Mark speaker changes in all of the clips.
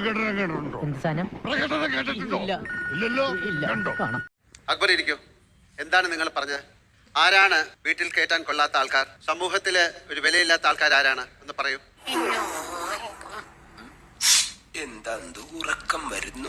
Speaker 1: എന്ത് സാധനം?
Speaker 2: അക്ബർ ഇരിക്കൂ. എന്താണ് നിങ്ങൾ പറഞ്ഞത്? ആരാണ് വീട്ടിൽ കയറ്റാൻ കൊള്ളാത്ത ആൾക്കാർ? സമൂഹത്തില് ഒരു വിലയില്ലാത്ത ആൾക്കാർ ആരാണ് എന്ന് പറയൂ.
Speaker 3: എന്താ ഉറക്കം വരുന്നു?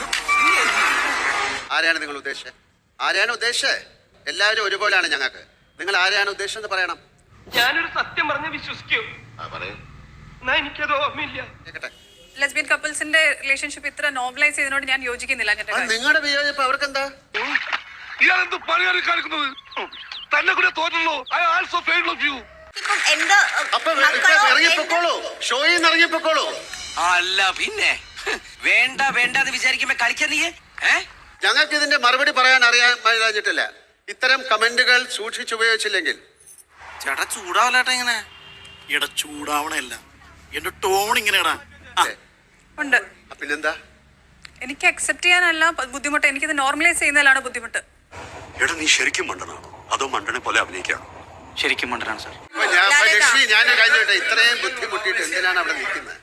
Speaker 2: ആരെയാണ് നിങ്ങൾ ഉദ്ദേശിച്ചത്? ആരെയാണ് ഉദ്ദേശിച്ചത്? എല്ലാവരും ഒരുപോലെയാണ് ഞങ്ങൾക്ക്. നിങ്ങൾ ആരെയാണ് ഉദ്ദേശിച്ചെന്ന് പറയണം.
Speaker 4: ഞാനൊരു സത്യം പറഞ്ഞ് വിശ്വസിക്കൂ. എനിക്കത് ഓർമ്മയില്ല.
Speaker 2: കേട്ടെ,
Speaker 5: ലെസ്ബിയൻ കപ്പിൾസിന്റെ റിലേഷൻഷിപ്പ് ഇത്ര നോർമലൈസ് ചെയ്തതിനോട് ഞാൻ യോജിക്കുന്നില്ല.
Speaker 2: നിങ്ങളുടെ വിയോജിപ്പ് അവർക്കെന്താ?
Speaker 4: ഇയാളെന്ത് പണിയാണ് കാണിക്കുന്നത്? തന്നെ കൂടെ തോന്നുള്ളൂ. I also fail of you.
Speaker 2: അപ്പൊ ഇറങ്ങിപ്പോക്കോളൂ, ഷോയിൽ നിന്ന് ഇറങ്ങിപ്പോക്കോളൂ.
Speaker 3: അല്ല പിന്നെ വേണ്ട വേണ്ട എന്ന് വിചാരിക്കുമ്പോ കളിക്കാൻ നീ
Speaker 2: ഞങ്ങൾക്ക് ഇതിന്റെ മറുപടി പറയാൻ അറിയാഞ്ഞിട്ടില്ല. ഇത്തരം കമന്റുകൾ സൂക്ഷിച്ചുപയോഗിച്ചില്ലെങ്കിൽ
Speaker 6: ചേട്ടാ ചൂടാവല്ലേട്ടാ. ഇങ്ങനെ എടാ ചൂടാവണല്ല, എന്റെ ടോൺ ഇങ്ങനെയാടാ.
Speaker 5: ഉണ്ട്.
Speaker 2: പിന്നെന്താ?
Speaker 5: എനിക്ക് അക്സെപ്റ്റ് ചെയ്യാനല്ല ബുദ്ധിമുട്ട്, എനിക്കിത് നോർമലൈസ് ചെയ്യുന്നതിലാണ് ബുദ്ധിമുട്ട്.
Speaker 7: എടാ നീ ശരിക്കും മണ്ടനാണോ അതോ മണ്ടനെ പോലെ അഭിനയിക്കാണോ?
Speaker 6: ശരിക്കും മണ്ടനാണ് സാർ.
Speaker 2: ഞാൻ കഴിഞ്ഞോട്ടെ, ഇത്രയും ബുദ്ധിമുട്ടിയിട്ട് എന്തിനാണ് അവിടെ നിൽക്കുന്നത്?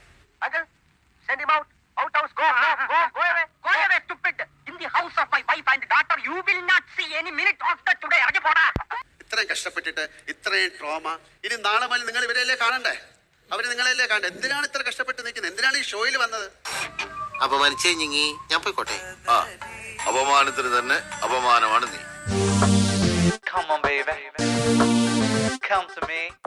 Speaker 2: ഇത്രയും കഷ്ടപ്പെട്ടിട്ട് ഇത്രയും ട്രോമ, ഇനി നാളെ മുതൽ നിങ്ങൾ ഇവരെയല്ലേ കാണണ്ടേ? അവര് നിങ്ങളെയല്ലേ കാണണ്ടേ? എന്തിനാണ് ഇത്ര കഷ്ടപ്പെട്ട് നിൽക്കുന്നത്? എന്തിനാണ് ഈ ഷോയിൽ വന്നത്?
Speaker 3: അപമാനിച്ചേ ഞങ്ങി ഞാൻ പോയിക്കോട്ടെ.
Speaker 8: അപമാനത്തിന് തന്നെ അപമാനമാണ് നീ.
Speaker 9: Come on, baby. Come to me.